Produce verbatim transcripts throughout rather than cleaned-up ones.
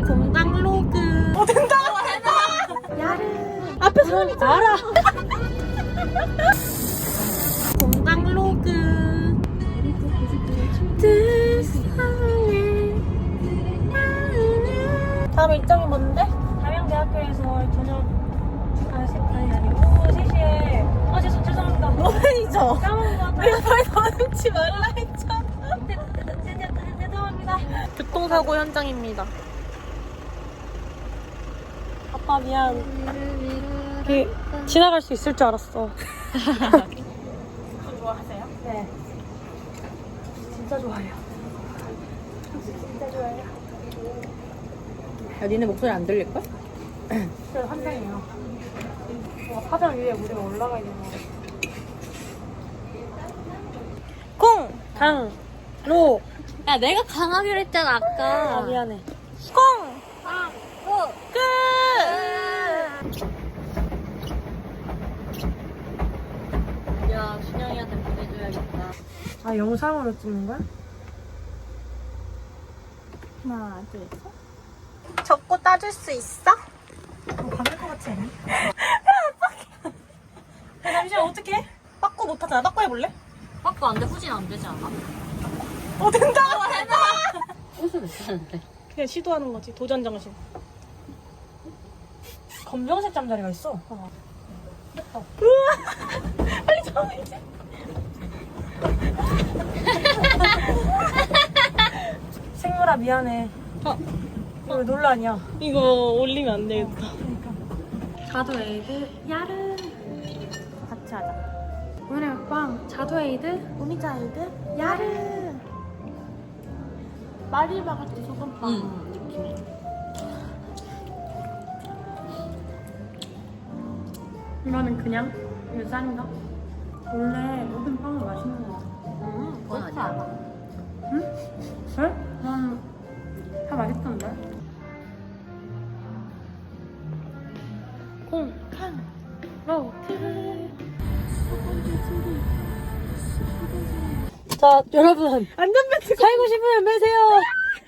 공장 로그. 어 된다. 야르. 앞에 사람이 알아. 공장 로그. 다음 일정이 뭔데? 담양대학교에서 저녁 아, 세, 아니 아니고 세 시에 아 죄송 죄송합니다. 노맨이죠? 까먹은 것 같아요. 내가 말 더듬지 말라 했잖아. 죄송합니다. 교통사고 현장입니다. 아빠 미안. 그, 지나갈 수 있을 줄 알았어. 저 좋아하세요? 네. 진짜 좋아요. 진짜 좋아요. 야, 니네 목소리 안 들릴걸? 진짜 환상이에요. 와, 화장 위에 우리가 올라가 있는 거. 콩! 강! 로! 야, 내가 강하기로 했잖아, 아까. 아, 미안해. 콩! 강, 로, 끝! 야, 준영이한테 보내줘야겠다. 아, 영상으로 찍는 거야? 하나, 둘, 셋. 적고 따줄 수 있어? 어, 받을 것 같지 않니? 야, 잠시만, 어떡해? 빠꾸 못하잖아. 빠꾸 해볼래? 빠꾸 안 돼, 후진 안 되지 않아? 어, 된다! 무슨 괜찮은데? 그냥 시도하는 거지. 도전 정신. 검정색 잠자리가 있어. 어. 우와! 빨리 잡아야지. 생물아, 미안해. 어. 이거 왜 논란이야? 이거 올리면 안 되겠다. 자두에이드, 야르. 같이 하자. 오늘의 먹방, 자두에이드, 오미자이드, 야르. 마리바 같이 소금빵 응. 느낌. 이거는 그냥 유산인가? 원래 모든 빵은 맛있는 거 같아. 음, 그건 아니야. 응? 그래? 난 다 맛있던데. 콩, 칸, 로, 트. 자, 여러분. 안전벨트 살고 싶으면 매세요.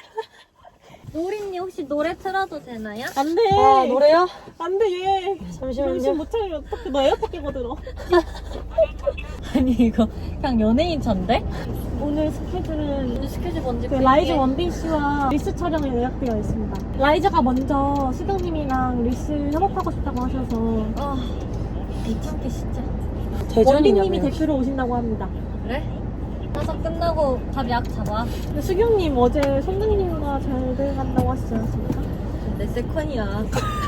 노린이 혹시 노래 틀어도 되나요? 안 돼. 아, 노래요? 안 돼, 얘. 잠시만요. 정신 못 차리면 어떡해. 너 에어팟 끼고 들어. 아니, 이거 그냥 연예인 찬데? 오늘 스케줄은 오늘 스케줄 뭔지 그 볼게. 라이즈 원빈 씨와 리스 촬영이 예약되어 있습니다. 라이즈가 먼저 수경님이랑 리스 협업하고 싶다고 하셔서 아, 미친게 진짜. 원빈님이 대표로 오신다고 합니다. 그래? 가서 끝나고 밥 약 잡아. 근데 수경님 어제 손등님과 잘 돼간다고 하시지 않았습니까? 내 세컨이야.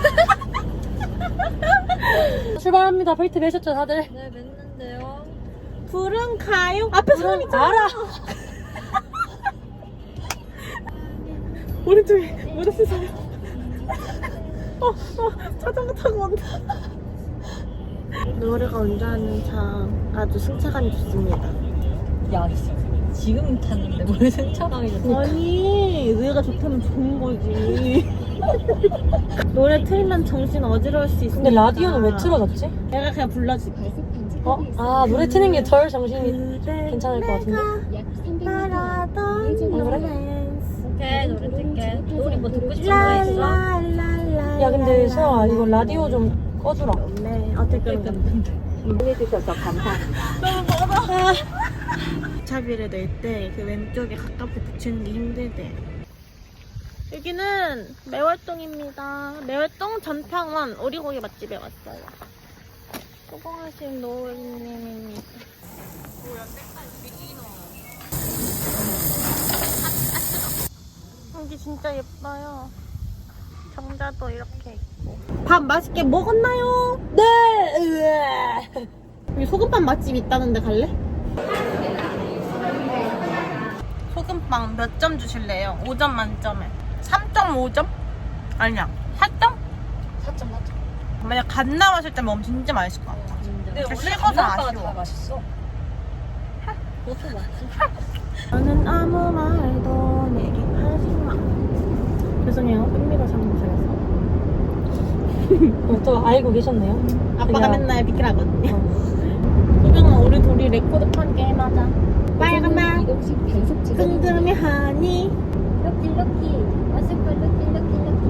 출발합니다. 벨트 매셨죠, 다들? 네, 맸는데요. 불은 가요. 앞에 사람 있잖아. 알아. 오른쪽에 무릎 사람. 어, 어, 자전거 타고 온다. 노래가 운전하는 차 아주 승차감이 좋습니다. 야, 지금 탔는데 뭘 승차감이 좋지? 아니, 노래가 좋다면 좋은 거지. 노래 틀면 정신 어지러울 수 있으니까. 근데 라디오는 왜 틀어졌지? 내가 그냥 불러줄게. 어? 아, 노래 트는 게 덜 정신이 괜찮을 것 같은데? 바라던 그래? 오케이, 노래 틀게. 노래 뭐 듣고 싶은 거 있어? 야, 근데 수영아, 이거 라디오 좀 꺼주라. 네, 어쨌든 해주셔서 감사합니다. 너무 멀어. 차비를 낼 때 그 왼쪽에 가깝게 붙이는 게 힘들대. 여기는 매월동입니다. 매월동 전평원 오리고기 맛집에 왔어요. 수고하신 노을님입니다. 여기 진짜 예뻐요. 정자도 이렇게 있고. 밥 맛있게 먹었나요? 네! 으아. 여기 소금빵 맛집 있다는데 갈래? 소금빵 몇 점 주실래요? 오 점 만점에 삼 점 오 점? 아니야 사 점? 사 점 사 점. 만약 갓 나왔을 때 먹으면 진짜 맛있을 것 같아. 근데 원래 식어서 감자빠가 아쉬워. 다 맛있어. 그것도 맛있어. 나는 아무 말도 내게 하지 마. 죄송해요. 흥미가 장모셔서. 또 알고 계셨네요. 아빠가 그냥- 맨날 비키라거든요. 소경아, 우리 둘이 레코드판 게임 하자. 빨간맛 이것이 계속 지금 궁금해 하니 럭키 럭키 맛있고 럭키 럭키 럭키